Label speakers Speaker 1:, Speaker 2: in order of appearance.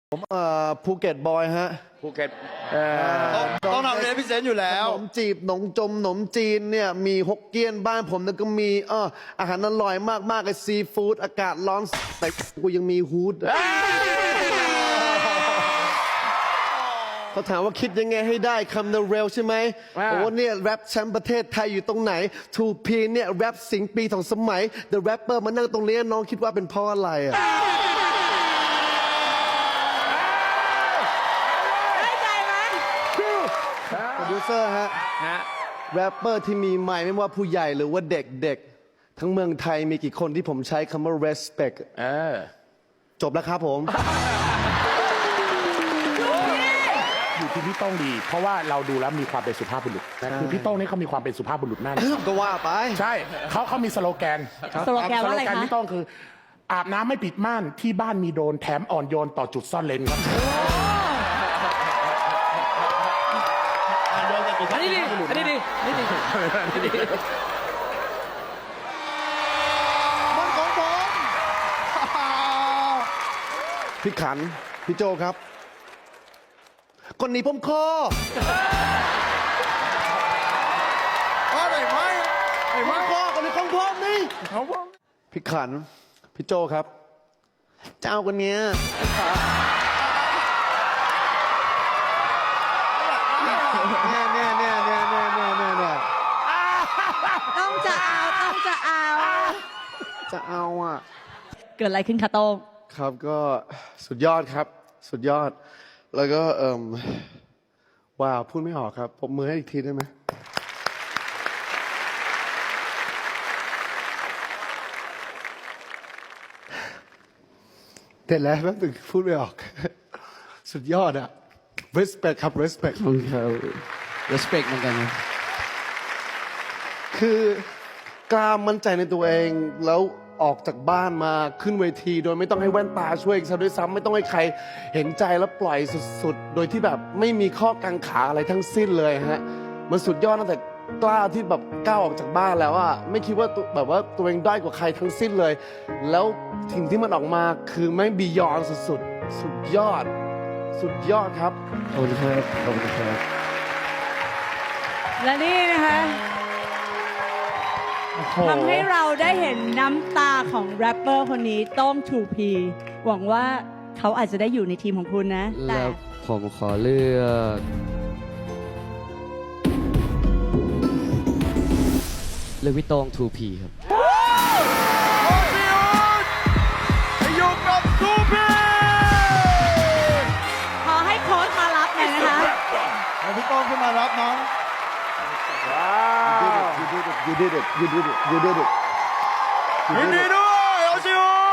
Speaker 1: ผมภูเก็ตบอยฮะ
Speaker 2: ภูเก็ตต้องทำเรียนพิเศษอยู่แล้ว
Speaker 1: ขนมจีบขนมจีนเนี่ยมีฮกเกี้ยนบ้านผมแล้วก็มีอาหารอร่อยมากๆเลยซีฟู้ดอากาศร้อนแต่กูยังมีฮูดเขาถามว่าคิดยังไงให้ได้คำเร็วใช่ไหมโอ้เนี่ยแรปแชมป์ประเทศไทยอยู่ตรงไหน 2P เนี่ยแรปสิงปีสองสมัย The Rapper มานั่งตรงนี้น้องคิดว่าเป็นเพราะอะไรอ่ะโปรดิวเซอร์ฮะแรปเปอร์ที่มีไมค์ไม่ว่าผู้ใหญ่หรือว่าเด็กๆทั้งเมืองไทยมีกี่คนที่ผมใช้คำว่า respect จบแล้วครับผม
Speaker 3: อยู่ที่พี่โต้งดีเพราะว่าเราดูแล้วมีความเป็นสุภาพบุรุษคือพี่โต้งนี่เขามีความเป็นสุภาพบุรุษมาก
Speaker 1: ก็ว่าไป
Speaker 3: ใช่เขามีสโลแกน
Speaker 4: สโลแกนว่าอะไรคะ
Speaker 3: พี่โต้งคืออาบน้ำไม่ปิดม่านที่บ้านมีโดรนแถมอ่อนโยนต่อจุดซ่อนเลนครับ
Speaker 4: อันนี้ดีอันนี้ดีอันนี้ดี
Speaker 1: มันของผมพี่ขันพี่โจครับคนนี้ผมคอไม่คอคนนี้ของผมนี่พี่ขันพี่โจครับเจ้าคนเนี้ย
Speaker 4: ต้องจะเอา
Speaker 1: อ่ะ
Speaker 4: เกิดอะไรขึ้นคะโต้ง
Speaker 1: ครับก็สุดยอดครับสุดยอดแล้วก็ว้าวพูดไม่ออกครับปรบมือให้อีกทีได้ไหมเด็ดแล้วแป๊บนึงพูดไม่ออกสุดยอดอะ respect ครับ respect
Speaker 2: ครับ respect เหมือนกันนะ
Speaker 1: คือกล้ามั่นใจในตัวเองแล้วออกจากบ้านมาขึ้นเวทีโดยไม่ต้องให้แว่นตาช่วยซะด้วยซ้ำไม่ต้องให้ใครเห็นใจแล้วปล่อยสุดๆโดยที่แบบไม่มีข้อกังขาอะไรทั้งสิ้นเลยฮะมันสุดยอดตั้งแต่กล้าที่แบบก้าวออกจากบ้านแล้วอะไม่คิดว่าแบบว่าตัวเองด้อยกว่าใครทั้งสิ้นเลยแล้วสิ่งที่มันออกมาคือแม่งบียอนสุดๆสุดยอดครับ
Speaker 2: ขอบคุณครับขอบคุณครับ
Speaker 4: และนี่นะคะทำให้เราได้เห็นน้ำตาของแรปเปอร์คนนี้โต้ง 2P หวังว่าเขาอาจจะได้อยู่ในทีมของคุณนะแต่
Speaker 2: แล้วผมขอเลือกพี่โต้ง 2P ครับ
Speaker 3: อยู่กับ 2P
Speaker 4: ขอให้โค้ชมารับหน่อยนะคะ
Speaker 3: ให้พี่โต้งขึ้นมารับน้อง
Speaker 1: You did it
Speaker 3: ยินดีด้วยโอชิโอ